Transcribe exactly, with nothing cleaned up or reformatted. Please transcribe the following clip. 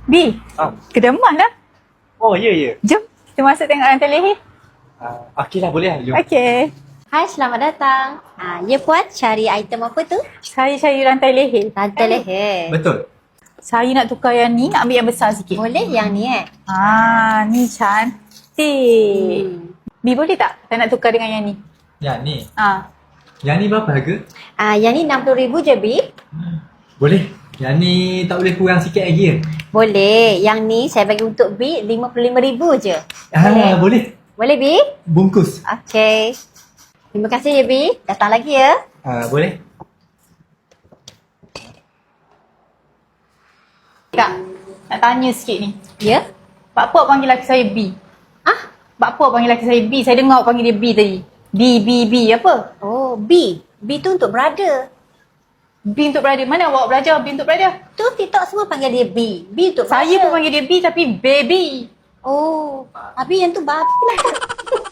B, Ah. kedeman lah. Oh, ya, ya. Jom, kita masuk tengok rantai leher. Uh, Okey lah, boleh lah. Jom. Okey. Hai, selamat datang. Ah, ya puan, cari item apa tu? Saya cari rantai leher. Rantai leher. Betul. Saya nak tukar yang ni, nak ambil yang besar sikit. Boleh yang ni eh? Ah, ni cantik. Hmm. B boleh tak? Saya nak tukar dengan yang ni. Yang ni. Ah. Yang ni berapa harga? Ah, yang ni enam puluh ribu je, Bi. Boleh. Yang ni tak boleh kurang sikit lagi ya? Boleh. Yang ni saya bagi untuk Bi lima puluh lima ribu je. Ah, Boleh? boleh. Boleh, Bi? Bungkus. Okey. Terima kasih ya, Bi. Datang lagi ya. Ah, boleh. Kak, nak tanya sikit ni. Ya? Pak Puak panggil laki saya B. Ah? Pak Puak panggil laki saya B. Saya dengar awak panggil dia B tadi. B, B, B. Apa? Oh, B. B tu untuk brother. B untuk brother. Mana awak belajar B untuk brother? Tu TikTok semua panggil dia B. B untuk Saya brother. pun panggil dia B tapi baby. Oh, Abi yang tu babi lah.